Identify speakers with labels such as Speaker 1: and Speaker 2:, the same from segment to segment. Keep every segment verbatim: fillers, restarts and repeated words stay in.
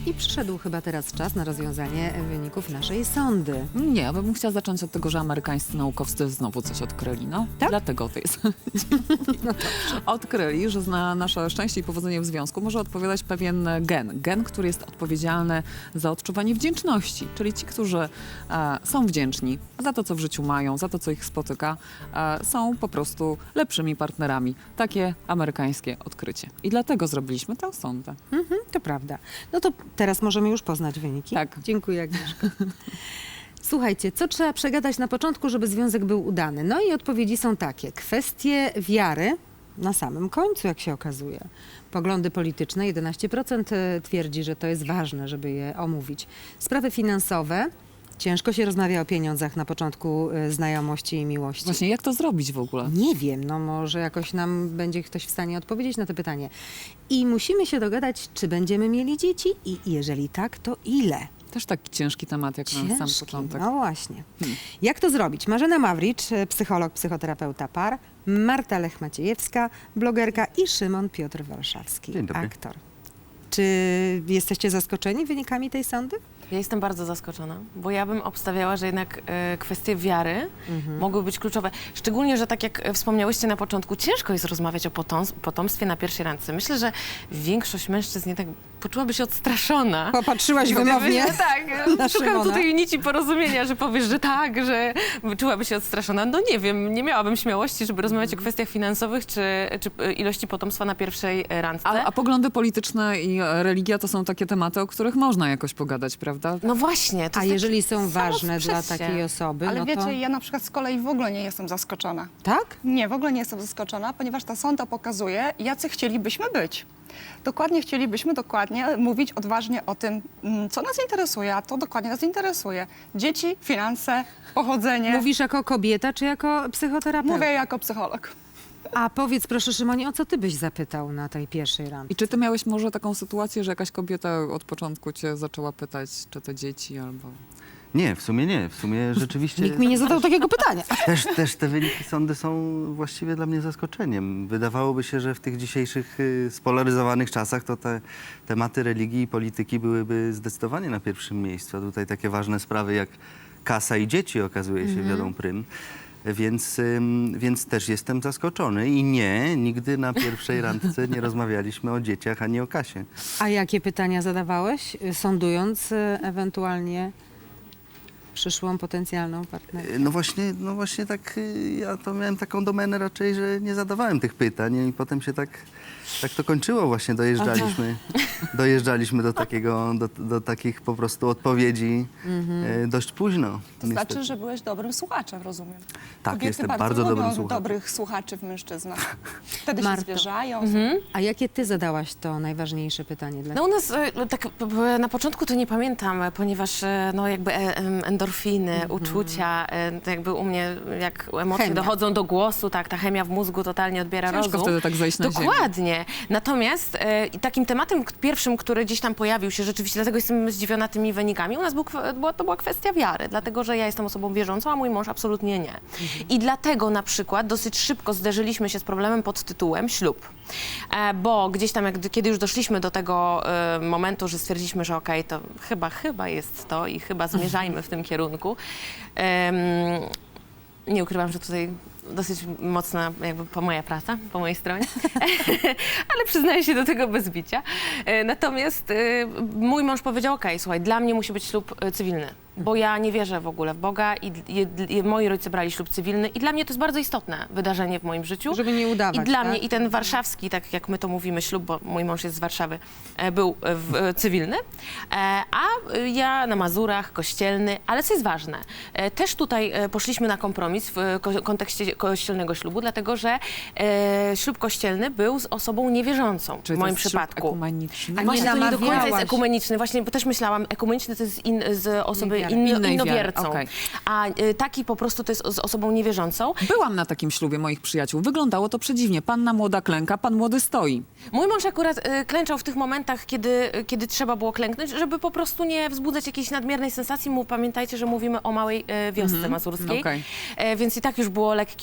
Speaker 1: I przyszedł chyba teraz czas na rozwiązanie wyników naszej sondy.
Speaker 2: Nie, ja bym chciała zacząć od tego, że amerykańscy naukowcy znowu coś odkryli, no.
Speaker 1: Tak?
Speaker 2: Dlatego to jest. Odkryli, że na nasze szczęście i powodzenie w związku może odpowiadać pewien gen. Gen, który jest odpowiedzialny za odczuwanie wdzięczności. Czyli ci, którzy e, są wdzięczni za to, co w życiu mają, za to, co ich spotyka, e, są po prostu lepszymi partnerami. Takie amerykańskie odkrycie. I dlatego zrobiliśmy tę sondę.
Speaker 1: Mhm, to prawda. No to teraz możemy już poznać wyniki.
Speaker 2: Tak.
Speaker 1: Dziękuję, Agnieszka. Słuchajcie, co trzeba przegadać na początku, żeby związek był udany? No i odpowiedzi są takie. Kwestie wiary na samym końcu, jak się okazuje. Poglądy polityczne, jedenaście procent twierdzi, że to jest ważne, żeby je omówić. Sprawy finansowe. Ciężko się rozmawia o pieniądzach na początku y, znajomości i miłości.
Speaker 2: Właśnie, jak to zrobić w ogóle?
Speaker 1: Nie wiem, no może jakoś nam będzie ktoś w stanie odpowiedzieć na to pytanie. I musimy się dogadać, czy będziemy mieli dzieci i jeżeli tak, to ile?
Speaker 2: Też taki ciężki temat, jak na sam
Speaker 1: Ciężki,
Speaker 2: początek.
Speaker 1: no właśnie.
Speaker 2: Hmm.
Speaker 1: Jak to zrobić? Marzena Mawricz, psycholog, psychoterapeuta par, Marta Lech-Maciejewska, blogerka i Szymon Piotr Warszawski,
Speaker 3: Dzień dobry.
Speaker 1: aktor. Czy jesteście zaskoczeni wynikami tej sądy?
Speaker 4: Ja jestem bardzo zaskoczona, bo ja bym obstawiała, że jednak e, kwestie wiary
Speaker 1: Mhm.
Speaker 4: mogły być kluczowe. Szczególnie, że tak jak e, wspomniałyście na początku, ciężko jest rozmawiać o potoms- potomstwie na pierwszej randce. Myślę, że większość mężczyzn jednak poczułaby się odstraszona.
Speaker 1: Popatrzyłaś
Speaker 4: Gdyby-
Speaker 1: wymownie
Speaker 4: że tak,
Speaker 1: na
Speaker 4: szukam
Speaker 1: Szymona.
Speaker 4: tutaj nici porozumienia, że powiesz, że tak, że czułaby się odstraszona. No nie wiem, nie miałabym śmiałości, żeby rozmawiać o kwestiach finansowych czy, czy e, ilości potomstwa na pierwszej e, randce.
Speaker 2: A, a poglądy polityczne i e, religia to są takie tematy, o których można jakoś pogadać, prawda?
Speaker 4: No właśnie. To
Speaker 1: A
Speaker 4: jest
Speaker 1: jeżeli
Speaker 4: takie
Speaker 1: są ważne dla
Speaker 4: samosprzeście.
Speaker 1: takiej osoby,
Speaker 5: Ale
Speaker 1: no
Speaker 5: wiecie,
Speaker 1: to...
Speaker 5: ja na przykład z kolei w ogóle nie jestem zaskoczona.
Speaker 1: Tak?
Speaker 5: Nie, w ogóle nie jestem zaskoczona, ponieważ ta sonda pokazuje, jacy chcielibyśmy być. Dokładnie chcielibyśmy dokładnie mówić odważnie o tym, mm, co nas interesuje, a to dokładnie nas interesuje. Dzieci, finanse, pochodzenie.
Speaker 1: Mówisz jako kobieta, czy jako psychoterapeuta?
Speaker 5: Mówię jako psycholog.
Speaker 1: A powiedz proszę, Szymonie, o co ty byś zapytał na tej pierwszej randce?
Speaker 2: I czy ty miałeś może taką sytuację, że jakaś kobieta od początku cię zaczęła pytać, czy to dzieci albo...
Speaker 3: Nie, w sumie nie. W sumie rzeczywiście
Speaker 1: Nikt mi nie zadał takiego pytania.
Speaker 3: też, też te wyniki sądy są właściwie dla mnie zaskoczeniem. Wydawałoby się, że w tych dzisiejszych y, spolaryzowanych czasach to te tematy religii i polityki byłyby zdecydowanie na pierwszym miejscu. A tutaj takie ważne sprawy jak kasa i dzieci okazuje się wiodą prym. Więc, ym, więc też jestem zaskoczony i nie, nigdy na pierwszej randce nie rozmawialiśmy o dzieciach ani o kasie.
Speaker 1: A jakie pytania zadawałeś, y, sądując y, ewentualnie przyszłą potencjalną partnerkę?
Speaker 3: No właśnie, no właśnie tak, y, ja to miałem taką domenę raczej, że nie zadawałem tych pytań i potem się tak, tak to kończyło właśnie, dojeżdżaliśmy, dojeżdżaliśmy do takiego, do, do takich po prostu odpowiedzi y, dość późno.
Speaker 5: To znaczy, że byłeś dobrym słuchaczem, rozumiem.
Speaker 3: Tak,
Speaker 5: Kobiety
Speaker 3: jestem
Speaker 5: bardzo,
Speaker 3: bardzo
Speaker 5: lubią
Speaker 3: dobrym słuchaczem.
Speaker 5: dobrych słuchaczy w mężczyznach. Wtedy
Speaker 1: Marto.
Speaker 5: się zwierzają.
Speaker 1: A jakie ty zadałaś to najważniejsze pytanie dla
Speaker 4: No u nas e, tak p- p- na początku to nie pamiętam, e, ponieważ e, no jakby e, em, endorfiny, uczucia, e, to jakby u mnie jak emocje
Speaker 1: Chemia.
Speaker 4: dochodzą do głosu, tak, ta chemia w mózgu totalnie odbiera
Speaker 2: Ciężko
Speaker 4: rozum.
Speaker 2: wtedy tak zejść na ziemię.
Speaker 4: Dokładnie. Natomiast e, i takim tematem k- pierwszym, który gdzieś tam pojawił się rzeczywiście, dlatego jestem zdziwiona tymi wynikami, u nas był, kwe- była, to była kwestia wiary, dlatego że ja jestem osobą wierzącą, a mój mąż absolutnie nie. I dlatego na przykład dosyć szybko zderzyliśmy się z problemem pod tytułem ślub. E, bo gdzieś tam, jak, kiedy już doszliśmy do tego e, momentu, że stwierdziliśmy, że okej, to chyba, chyba jest to i chyba zmierzajmy w tym kierunku. Em, nie ukrywam, że tutaj dosyć mocna jakby po moja praca, po mojej stronie, ale przyznaję się do tego bez bicia. E, Natomiast e, mój mąż powiedział, okej, słuchaj, dla mnie musi być ślub e, cywilny, bo ja nie wierzę w ogóle w Boga i, i, i moi rodzice brali ślub cywilny i dla mnie to jest bardzo istotne wydarzenie w moim życiu.
Speaker 1: Żeby nie udawać,
Speaker 4: I dla
Speaker 1: tak?
Speaker 4: mnie i ten warszawski, tak jak my to mówimy, ślub, bo mój mąż jest z Warszawy, e, był e, w, e, cywilny, e, a e, ja na Mazurach, kościelny, ale co jest ważne, e, też tutaj e, poszliśmy na kompromis w e, ko- kontekście kościelnego ślubu, dlatego że e, ślub kościelny był z osobą niewierzącą
Speaker 2: Czyli
Speaker 4: w
Speaker 2: to
Speaker 4: moim
Speaker 2: jest ślub
Speaker 4: przypadku.
Speaker 2: ekumeniczny?
Speaker 1: A nie
Speaker 4: Właśnie to nie do końca jest
Speaker 1: namawiałaś.
Speaker 4: ekumeniczny, właśnie, bo też myślałam, ekumeniczny to jest in, z osoby
Speaker 1: Niewiary.
Speaker 4: in,
Speaker 2: Innej
Speaker 4: innowiercą,
Speaker 2: wiary, okej.
Speaker 4: a e, taki po prostu to jest z osobą niewierzącą.
Speaker 2: Byłam na takim ślubie moich przyjaciół. Wyglądało to przedziwnie. Panna młoda klęka, pan młody stoi.
Speaker 4: Mój mąż akurat e, klęczał w tych momentach, kiedy, kiedy trzeba było klęknąć, żeby po prostu nie wzbudzać jakiejś nadmiernej sensacji. Mu, pamiętajcie, że mówimy o małej e, wiosce mazurskiej,
Speaker 2: okej.
Speaker 4: e, więc i tak już było lekkie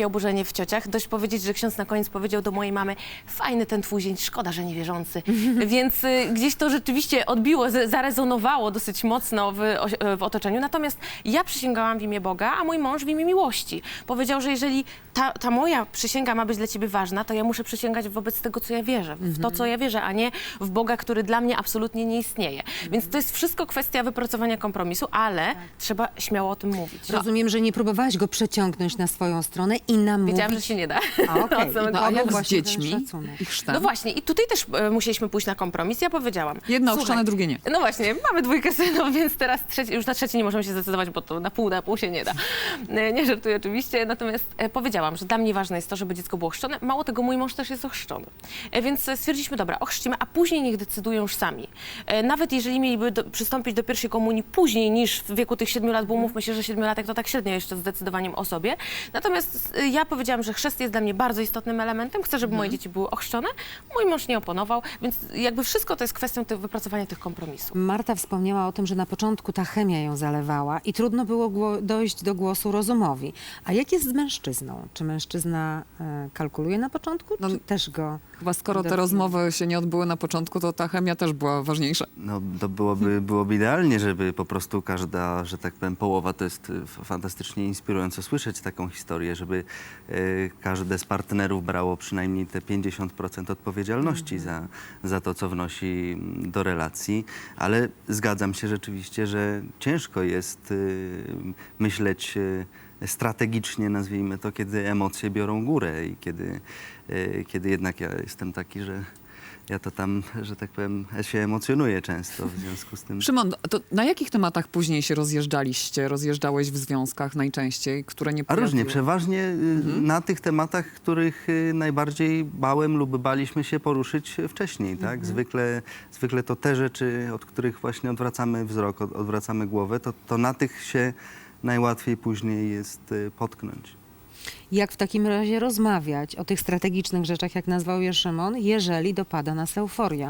Speaker 4: oburzenie w ciociach. Dość powiedzieć, że ksiądz na koniec powiedział do mojej mamy, fajny ten twój zięć, szkoda, że niewierzący. Więc y, gdzieś to rzeczywiście odbiło, z- zarezonowało dosyć mocno w, o- w otoczeniu. Natomiast ja przysięgałam w imię Boga, a mój mąż w imię miłości. Powiedział, że jeżeli ta, ta moja przysięga ma być dla ciebie ważna, to ja muszę przysięgać wobec tego, co ja wierzę. W to, co ja wierzę, a nie w Boga, który dla mnie absolutnie nie istnieje. Więc to jest wszystko kwestia wypracowania kompromisu, ale trzeba śmiało o tym mówić.
Speaker 1: Rozumiem, że nie próbowałaś go przeciągnąć na swoją stronę i namówić.
Speaker 4: Wiedziałam, że się nie da.
Speaker 1: A, okej.
Speaker 4: Od samego
Speaker 1: I
Speaker 2: No
Speaker 1: to
Speaker 2: a
Speaker 1: był
Speaker 2: jak z
Speaker 1: właśnie ten
Speaker 2: dziećmi
Speaker 1: szacunek.
Speaker 2: i chrztem?
Speaker 4: No właśnie, i tutaj też e, musieliśmy pójść na kompromis. Ja powiedziałam.
Speaker 2: Jedno
Speaker 4: słuchaj,
Speaker 2: ochrzczone, drugie nie.
Speaker 4: No właśnie, mamy dwójkę synów, więc teraz trzeci, już na trzeci nie możemy się zdecydować, bo to na pół, na pół się nie da. E, Nie żartuję oczywiście, natomiast e, powiedziałam, że dla mnie ważne jest to, żeby dziecko było chrzczone. Mało tego, mój mąż też jest ochrzczony. E, Więc e, stwierdziliśmy, dobra, ochrzcimy, a później niech decydują już sami. E, Nawet jeżeli mieliby do, przystąpić do pierwszej komunii później niż w wieku tych siedmiu lat, bo mówmy się, że siedmiolatek to tak średnio jeszcze z zdecydowaniem o sobie. Natomiast e, ja powiedziałam, że chrzest jest dla mnie bardzo istotnym elementem. Chcę, żeby moje dzieci były ochrzczone. Mój mąż nie oponował, więc jakby wszystko to jest kwestią tych, wypracowania tych kompromisów.
Speaker 1: Marta wspomniała o tym, że na początku ta chemia ją zalewała i trudno było gło- dojść do głosu rozumowi. A jak jest z mężczyzną? Czy mężczyzna e, kalkuluje na początku,
Speaker 2: No,
Speaker 1: czy też go...
Speaker 2: Chyba skoro te
Speaker 1: Definitivnie.
Speaker 2: rozmowy się nie odbyły na początku, to ta chemia też była ważniejsza.
Speaker 3: No, to byłoby, byłoby idealnie, żeby po prostu każda, że tak powiem, połowa, to jest y, f- fantastycznie inspirujące słyszeć taką historię, żeby y, każde z partnerów brało przynajmniej te pięćdziesiąt procent odpowiedzialności za, za to, co wnosi mm, do relacji, ale zgadzam się rzeczywiście, że ciężko jest y, myśleć y, strategicznie, nazwijmy to, kiedy emocje biorą górę i kiedy, y, kiedy jednak ja jestem taki, że ja to tam, że tak powiem, się emocjonuję często w związku z tym.
Speaker 2: Szymon, to na jakich tematach później się rozjeżdżaliście, rozjeżdżałeś w związkach najczęściej, które nie
Speaker 3: A różnie,
Speaker 2: pojawiły?
Speaker 3: przeważnie y, na tych tematach, których y, najbardziej bałem lub baliśmy się poruszyć wcześniej, tak? Zwykle, zwykle to te rzeczy, od których właśnie odwracamy wzrok, od, odwracamy głowę, to, to na tych się najłatwiej później jest y, potknąć.
Speaker 1: Jak w takim razie rozmawiać o tych strategicznych rzeczach, jak nazwał je Szymon, jeżeli dopada nas euforia?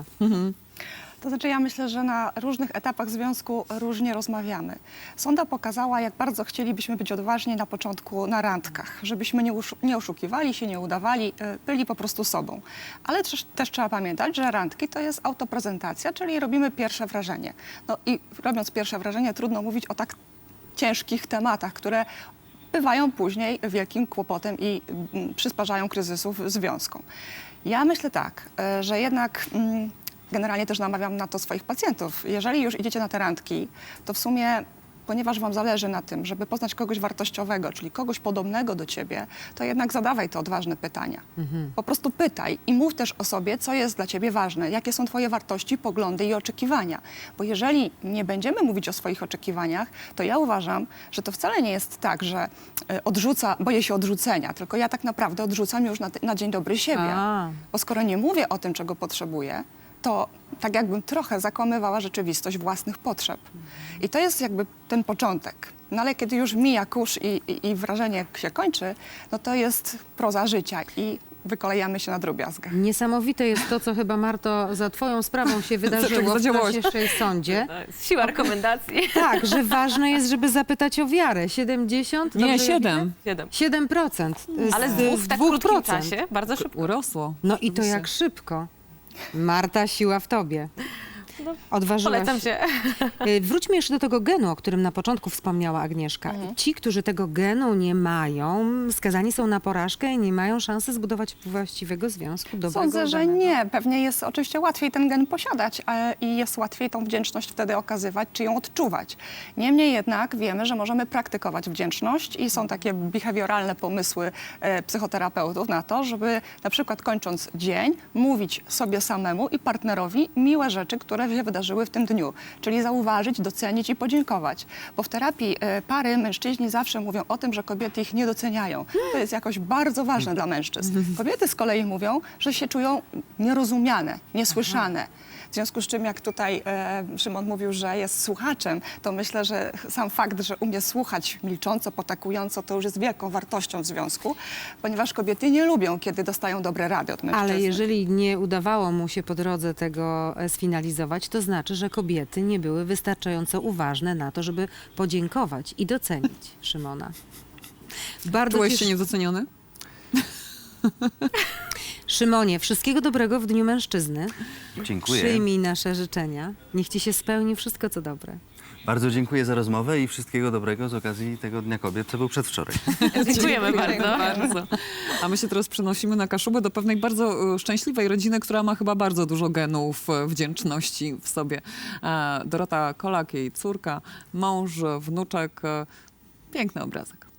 Speaker 5: To znaczy ja myślę, że na różnych etapach związku różnie rozmawiamy. Sonda pokazała, jak bardzo chcielibyśmy być odważni na początku na randkach, żebyśmy nie, uszu- nie oszukiwali się, nie udawali, y, byli po prostu sobą. Ale też, też trzeba pamiętać, że randki to jest autoprezentacja, czyli robimy pierwsze wrażenie. No i robiąc pierwsze wrażenie trudno mówić o tak ciężkich tematach, które bywają później wielkim kłopotem i mm, przysparzają kryzysów związkom. Ja myślę tak, e, że jednak mm, generalnie też namawiam na to swoich pacjentów. Jeżeli już idziecie na te randki, to w sumie, ponieważ wam zależy na tym, żeby poznać kogoś wartościowego, czyli kogoś podobnego do ciebie, to jednak zadawaj te odważne pytania. Po prostu pytaj i mów też o sobie, co jest dla ciebie ważne, jakie są twoje wartości, poglądy i oczekiwania. Bo jeżeli nie będziemy mówić o swoich oczekiwaniach, to ja uważam, że to wcale nie jest tak, że e, odrzuca, boję się odrzucenia, tylko ja tak naprawdę odrzucam już na, ty- na dzień dobry siebie.
Speaker 1: A.
Speaker 5: Bo skoro nie mówię o tym, czego potrzebuję, to tak jakbym trochę zakłamywała rzeczywistość własnych potrzeb. I to jest jakby ten początek. No ale kiedy już mija kurz i, i, i wrażenie się kończy, no to jest proza życia i wykolejamy się na drobiazgach.
Speaker 1: Niesamowite jest to, co chyba, Marto, za twoją sprawą się wydarzyło w
Speaker 2: zadziałałaś?
Speaker 1: dzisiejszej sądzie.
Speaker 4: To jest siła rekomendacji.
Speaker 1: Tak, że ważne jest, żeby zapytać o wiarę. siedemdziesiąt?
Speaker 2: Nie,
Speaker 1: Dobrze
Speaker 2: siedem.
Speaker 4: Siedem.
Speaker 1: siedem procent. z-
Speaker 4: Ale z
Speaker 1: z
Speaker 4: dwóch w tak
Speaker 1: dwóch
Speaker 4: krótkim
Speaker 1: procent.
Speaker 4: czasie, bardzo szybko.
Speaker 2: Urosło.
Speaker 1: No i to
Speaker 2: Oczywiście.
Speaker 1: jak szybko. Marta, siła w tobie. Odważyłaś
Speaker 4: Polecam się.
Speaker 1: Y, Wróćmy jeszcze do tego genu, o którym na początku wspomniała Agnieszka. Ci, którzy tego genu nie mają, skazani są na porażkę i nie mają szansy zbudować właściwego związku, dobrego,
Speaker 5: Sądzę, że
Speaker 1: udanego.
Speaker 5: nie. Pewnie jest oczywiście łatwiej ten gen posiadać e, i jest łatwiej tą wdzięczność wtedy okazywać, czy ją odczuwać. Niemniej jednak wiemy, że możemy praktykować wdzięczność i są takie behawioralne pomysły e, psychoterapeutów na to, żeby na przykład kończąc dzień mówić sobie samemu i partnerowi miłe rzeczy, które się wydarzyły w tym dniu. Czyli zauważyć, docenić i podziękować. Bo w terapii e, pary mężczyźni zawsze mówią o tym, że kobiety ich nie doceniają. To jest jakoś bardzo ważne dla mężczyzn. Kobiety z kolei mówią, że się czują nierozumiane, niesłyszane. W związku z czym, jak tutaj e, Szymon mówił, że jest słuchaczem, to myślę, że sam fakt, że umie słuchać milcząco, potakująco, to już jest wielką wartością w związku, ponieważ kobiety nie lubią, kiedy dostają dobre rady od mężczyzny.
Speaker 1: Ale jeżeli nie udawało mu się po drodze tego e, sfinalizować, to znaczy, że kobiety nie były wystarczająco uważne na to, żeby podziękować i docenić Szymona. Bardzo
Speaker 2: Czułeś
Speaker 1: cieszy-
Speaker 2: się niedoceniony?
Speaker 1: Szymonie, wszystkiego dobrego w Dniu Mężczyzny.
Speaker 3: Dziękuję.
Speaker 1: Przyjmij nasze życzenia. Niech ci się spełni wszystko, co dobre.
Speaker 3: Bardzo dziękuję za rozmowę i wszystkiego dobrego z okazji tego Dnia Kobiet, co był przedwczoraj.
Speaker 4: Dziękujemy bardzo.
Speaker 2: bardzo. A my się teraz przenosimy na Kaszubę do pewnej bardzo e, szczęśliwej rodziny, która ma chyba bardzo dużo genów e, wdzięczności w sobie. E, Dorota Kolak, jej córka, mąż, wnuczek. E, Piękny obrazek.